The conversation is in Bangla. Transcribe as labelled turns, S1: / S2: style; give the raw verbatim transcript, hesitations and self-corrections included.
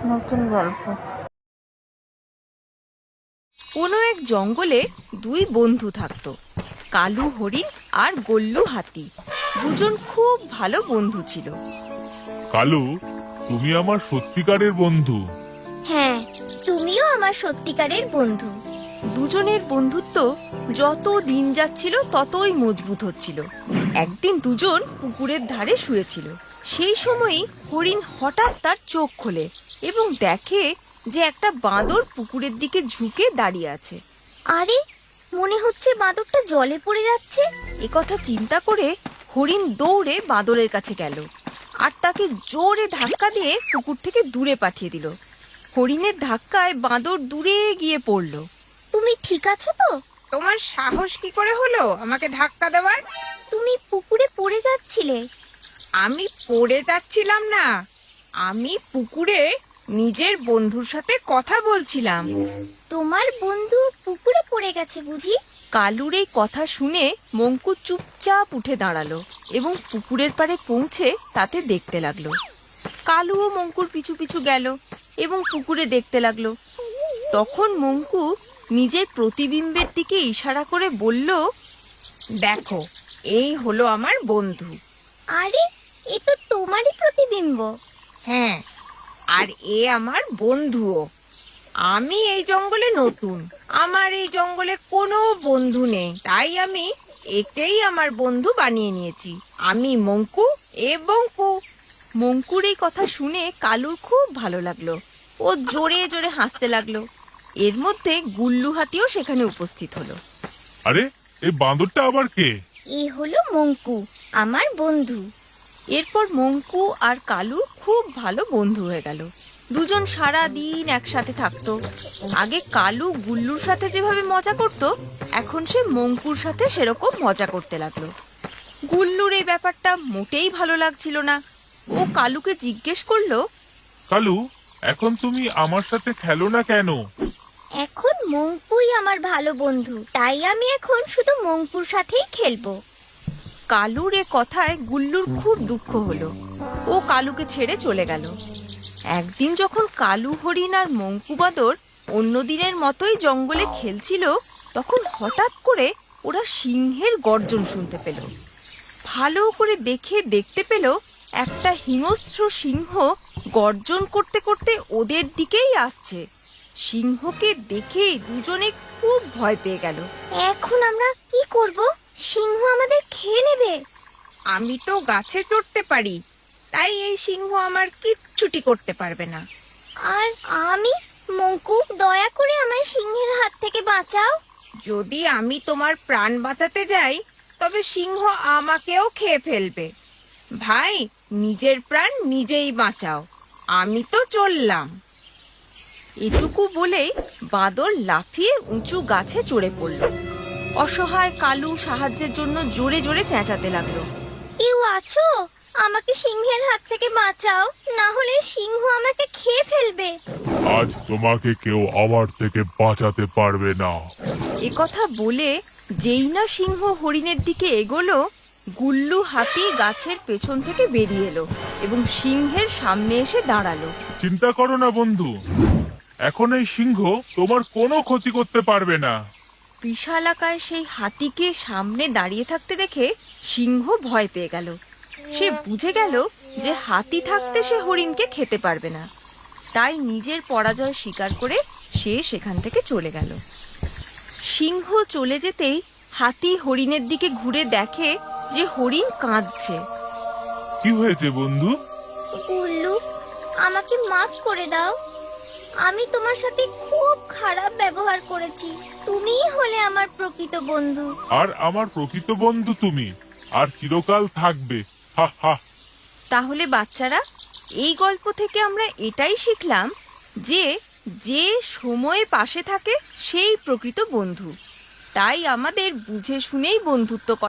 S1: নতুন গল্প।
S2: কোনো এক জঙ্গলে দুই বন্ধু থাকতো, কালু হরিণ আর গল্লু হাতি। দুজন খুব ভালো বন্ধু ছিল।
S3: কালু, তুমি আমার সত্যিকারের বন্ধু।
S4: হ্যাঁ, তুমিও আমার সত্যিকারের বন্ধু।
S2: দুজনের বন্ধুত্ব যত দিন যাচ্ছিল ততই মজবুত হচ্ছিল। একদিন দুজন পুকুরের ধারে শুয়েছিল। সেই সময়ই হরিণ হঠাৎ তার চোখ খোলে এবং দেখে যে একটা বাঁদর পুকুরের দিকে ঝুঁকে দাঁড়িয়ে আছে।
S4: আরে, মনে হচ্ছে বাঁদরটা জলে পড়ে যাচ্ছে।
S2: এ কথা চিন্তা করে হরিণ দৌড়ে বাঁদরের কাছে গেল আর তাকে জোরে ধাক্কা দিয়ে পুকুর থেকে দূরে পাঠিয়ে দিল। হরিণের ধাক্কায় বাঁদর দূরে গিয়ে পড়ল।
S4: তুমি ঠিক আছো তো?
S5: তোমার সাহস কি করে হলো আমাকে ধাক্কা দেওয়ার?
S4: তুমি পুকুরে পড়ে যাচ্ছিলে।
S5: আমি পড়ে যাচ্ছিলাম না, আমি পুকুরে নিজের বন্ধুর সাথে কথা বলছিলাম।
S4: তোমার বন্ধু পুকুরে পড়ে গেছে বুঝি?
S2: কালুর এই কথা শুনে মঙ্কু চুপচাপ উঠে দাঁড়ালো এবং পুকুরের পাড়ে পৌঁছে তাতে দেখতে লাগলো। কালুও মঙ্কুর পিছু পিছু গেল এবং পুকুরে দেখতে লাগলো। তখন মঙ্কু নিজের প্রতিবিম্বের দিকে ইশারা করে বলল,
S5: দেখো, এই হলো আমার বন্ধু।
S4: আরে, এ তো তোমারই প্রতিবিম্ব।
S5: হ্যাঁ, আর এ আমার বন্ধুও। আমি এই জঙ্গলে নতুন, আমার এই জঙ্গলে কোনো বন্ধু নেই, তাই আমি একেই আমার বন্ধু বানিয়ে নিয়েছি। আমি মঙ্কু এবং কু।
S2: মঙ্কুর এই কথা শুনে কালুর খুব ভালো লাগলো। ও জোরে জোরে হাসতে লাগলো। এর মধ্যে গুল্লু হাতিও সেখানে উপস্থিত হলো।
S3: আরে, এই বাঁদরটা আবার কে?
S4: এ হলো মঙ্কু, আমার বন্ধু।
S2: এরপর মঙ্কু আর কালু খুব ভালো বন্ধু হয়ে গেল। দুজন সারা দিন একসাথে থাকতো। আগে কালু গুল্লুর সাথে যেভাবে মজা করত, এখন সে মঙ্কুর সাথে সেরকম মজা করতে লাগলো। গুল্লুর এই ব্যাপারটা মোটেই ভালো লাগছিল না। ও কালুকে জিজ্ঞেস করলো,
S3: কালু, এখন তুমি আমার সাথে খেলো না কেন?
S4: এখন মঙ্কুই আমার ভালো বন্ধু, তাই আমি এখন শুধু মঙ্কুর সাথেই খেলবো।
S2: কালুর এ কথায় গুল্লুর খুব দুঃখ হলো। ও কালুকে ছেড়ে চলে গেল। একদিন যখন কালু হরিণ আর মঙ্কু বাঁদর অন্য দিনের মতোই জঙ্গলে খেলছিল, তখন হঠাৎ করে ওরা সিংহের গর্জন শুনতে পেল। ভালো করে দেখে দেখতে পেল একটা হিংস্র সিংহ গর্জন করতে করতে ওদের দিকেই আসছে। সিংহকে দেখে দুজনে খুব ভয় পেয়ে গেল।
S4: এখন আমরা কি করব? সিংহ আমাদের খেয়ে নেবে।
S5: আমি তো গাছে চড়তে পারি, তাই এই সিংহ আমার কিচ্ছুটি করতে পারবে না।
S4: আর আমি, মঙ্কু, দয়া করে আমায় সিংহের হাত থেকে বাঁচাও।
S5: যদি আমি তোমার প্রাণ বাঁচাতে যাই, তবে সিংহ আমাকেও খেয়ে ফেলবে। ভাই, নিজের প্রাণ নিজেই বাঁচাও, আমি তো চললাম।
S2: এটুকু বলেই বাঁদর লাফিয়ে উঁচু গাছে চড়ে পড়ল। অসহায় কালু সাহায্যের জন্য জোরে জোরে চেঁচাতে লাগলো।
S4: কেউ আছো? আমাকে সিংহের হাত থেকে বাঁচাও, না হলে সিংহ আমাকে খেয়ে ফেলবে।
S3: আজ তোমাকে কেউ আমার থেকে বাঁচাতে পারবে না।
S2: এ কথা বলে যেই না সিংহ হরিণের দিকে এগোলো, গুল্লু হাতি গাছের পেছন থেকে বেরিয়ে এলো এবং সিংহের সামনে এসে দাঁড়ালো।
S3: চিন্তা করো না বন্ধু, এখন এই সিংহ তোমার কোনো ক্ষতি করতে পারবে না।
S2: বিশালাকায় সেই হাতিকে সামনে দাঁড়িয়ে থাকতে দেখে সিংহ ভয় পেয়ে গেল। সে বুঝে গেল যে হাতি থাকতে সে হরিণকে খেতে পারবে না। তাই নিজের পরাজয় স্বীকার করে সে সেখান থেকে চলে গেল। সিংহ চলে যেতেই হাতি হরিণের দিকে ঘুরে দেখে যে হরিণ কাঁদছে।
S3: কি হয়েছে বন্ধু?
S4: গুল্লু, আমাকে মাফ করে দাও। আমি তোমার সাথে খুব খারাপ ব্যবহার করেছি। তুমিই হলে আমার প্রকৃত বন্ধু।
S3: আর আমার প্রকৃত বন্ধু তুমি, আর চিরকাল থাকবে। হা হা।
S2: তাহলে বাচ্চারা, এই গল্প থেকে আমরা এটাই শিখলাম যে যে সময়ে পাশে থাকে সেই প্রকৃত বন্ধু। তাই আমাদের বুঝে শুনেই বন্ধুত্ব